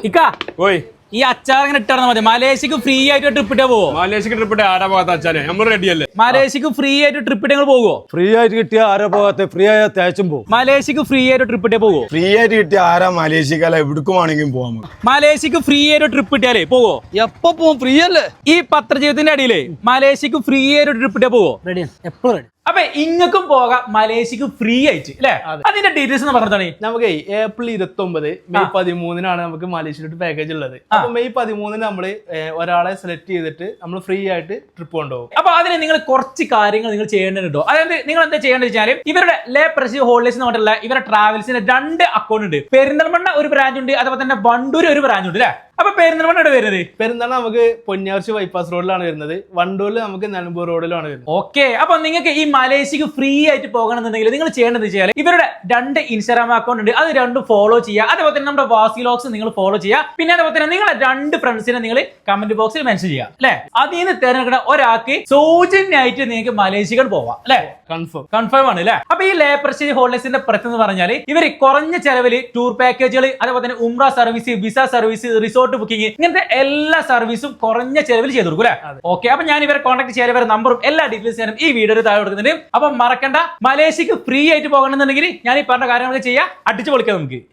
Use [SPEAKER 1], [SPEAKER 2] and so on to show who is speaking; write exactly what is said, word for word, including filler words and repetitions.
[SPEAKER 1] ഇക്കാ
[SPEAKER 2] ഓയ്
[SPEAKER 1] ഈ അച്ചാർ ഇങ്ങനെ ഇട്ടാൽ മതി. മലേഷ്യക്ക് ഫ്രീ ആയിട്ട് ട്രിപ്പ് ഇട്ടേ പോവോ?
[SPEAKER 2] മലേഷ്യക്ക് ട്രിപ്പ് ഇട്ട് ആരാ പോകാത്ത അച്ഛനെ നമ്മൾ റെഡിയല്ലേ?
[SPEAKER 1] മലേഷ്യക്ക് ഫ്രീ ആയിട്ട് ട്രിപ്പ് ഇട്ട് പോവോ?
[SPEAKER 3] ഫ്രീ ആയിട്ട് കിട്ടിയ ആരാ പോകാത്ത? ഫ്രീ ആയ തേച്ചും പോകും.
[SPEAKER 1] മലേഷ്യക്ക് ഫ്രീ ആയിട്ട് ട്രിപ്പ് ഇട്ടേ പോവോ?
[SPEAKER 4] ഫ്രീ ആയിട്ട് കിട്ടിയ ആരാ മലേഷ്യക്കല്ല എവിടേക്കും ആണെങ്കിലും പോവാൻ.
[SPEAKER 1] മലേഷ്യക്ക് ഫ്രീ ആയിട്ട് ട്രിപ്പ് ഇട്ടാലേ പോവോ?
[SPEAKER 5] എപ്പോ പോവും? ഫ്രീ അല്ലേ?
[SPEAKER 1] ഈ പത്രജീവിതത്തിന്റെ അടിയിലേ മലേഷ്യക്ക് ഫ്രീ ആയിട്ട് ട്രിപ്പ് ഇട്ടേ പോവോ?
[SPEAKER 5] റെഡിയാണ്, എപ്പോഴും റെഡി.
[SPEAKER 1] അപ്പൊ ഇങ്ങക്കും പോകാം മലേഷ്യക്ക് ഫ്രീ ആയിട്ട് അല്ലെ? അതിന്റെ ഡീറ്റെയിൽസ് എന്ന് പറഞ്ഞതാണ്.
[SPEAKER 5] നമുക്ക് ഏപ്രിൽ ഇരുപത്തി ഒമ്പത് മെയ് പതിമൂന്നിനാണ് നമുക്ക് മലേഷ്യയിലോട്ട് പാക്കേജ് ഉള്ളത്. അപ്പൊ മെയ് പതിമൂന്നിന് നമ്മള് ഒരാളെ സെലക്ട് ചെയ്തിട്ട് നമ്മൾ ഫ്രീ ആയിട്ട് ട്രിപ്പ് കൊണ്ടുപോകും.
[SPEAKER 1] അപ്പൊ അതിന് നിങ്ങൾ കുറച്ച് കാര്യങ്ങൾ നിങ്ങൾ ചെയ്യേണ്ടതുണ്ടോ? അതായത് നിങ്ങൾ എന്താ ചെയ്യേണ്ടത് വെച്ചാൽ ഇവരുടെ ലേ പ്രസ് ഹോളിഡേസ് എന്ന് പറഞ്ഞിട്ടുള്ള ഇവരുടെ ട്രാവൽസിന് രണ്ട് അക്കൗണ്ട് ഉണ്ട്. പെരിന്തൽമണ്ണ ഒരു ബ്രാഞ്ച് ഉണ്ട്, അതുപോലെ തന്നെ വണ്ടൂർ ഒരു ബ്രാഞ്ച് ഉണ്ട് അല്ലെ? അപ്പൊ പെരിന്തൽമണ്ണ വരുന്നത്
[SPEAKER 5] പെരിന്തൽമണ്ണ നമുക്ക് പൊന്നാർച്ചി ബൈപ്പാസ് റോഡിലാണ് വരുന്നത്. വണ്ടൂരിൽ നമുക്ക് നിലമ്പൂർ റോഡിലാണ് വരുന്നത്.
[SPEAKER 1] ഓക്കെ. അപ്പൊ നിങ്ങൾക്ക് ഈ മലേഷ്യക്ക് ഫ്രീ ആയിട്ട് പോകണമെന്നുണ്ടെങ്കിൽ നിങ്ങൾ ചെയ്യേണ്ടത് വെച്ചാൽ ഇവരുടെ രണ്ട് ഇൻസ്റ്റാഗ്രാം അക്കൗണ്ട് ഉണ്ട്, അത് രണ്ടും ഫോളോ ചെയ്യുക. അതുപോലെ തന്നെ നമ്മുടെ വാസിലോക്സ് നിങ്ങൾ ഫോളോ ചെയ്യുക. പിന്നെ അതുപോലെ തന്നെ നിങ്ങളെ രണ്ട് ഫ്രണ്ട്സിനെ നിങ്ങൾ കമന്റ് ബോക്സിൽ മെൻഷൻ ചെയ്യുക അല്ലെ? അതിൽ നിന്ന് തിരഞ്ഞെടുക്കുന്ന ഒരാൾക്ക് സൗജന്യമായിട്ട് നിങ്ങൾക്ക് മലേഷ്യക്ക് പോവാം അല്ലെ?
[SPEAKER 5] കൺഫേം
[SPEAKER 1] കൺഫേം ആണ് അല്ലെ? അപ്പൊ ഈ ലേ പ്രസ്റ്റീജ് ഹോളിഡേസിന്റെ പ്രത്യേകത എന്ന് പറഞ്ഞാൽ ഇവർ കുറഞ്ഞ ചെലവിൽ ടൂർ പാക്കേജുകൾ, അതുപോലെ തന്നെ ഉംറ service, visa service, resort booking, ഇങ്ങനത്തെ എല്ലാ സർവീസും കുറഞ്ഞ ചെലവിൽ ചെയ്തു കൊടുക്കും അല്ലെ? ഓക്കെ. അപ്പൊ ഞാൻ ഇവരെ കോൺടാക്ട് ചെയ്യാൻ ഇവരുടെ നമ്പറും എല്ലാ ഡീറ്റെയിൽസ് ഞാനും ഈ വീഡിയോയിൽ താഴെ കൊടുക്കുന്നുണ്ട്. അപ്പൊ മറക്കണ്ട, മലേഷ്യക്ക് ഫ്രീ ആയിട്ട് പോകണമെന്നുണ്ടെങ്കിൽ ഞാൻ ഈ പറഞ്ഞ കാര്യങ്ങളൊക്കെ ചെയ്യാം. അടിച്ചു പൊളിക്കാം നമുക്ക്.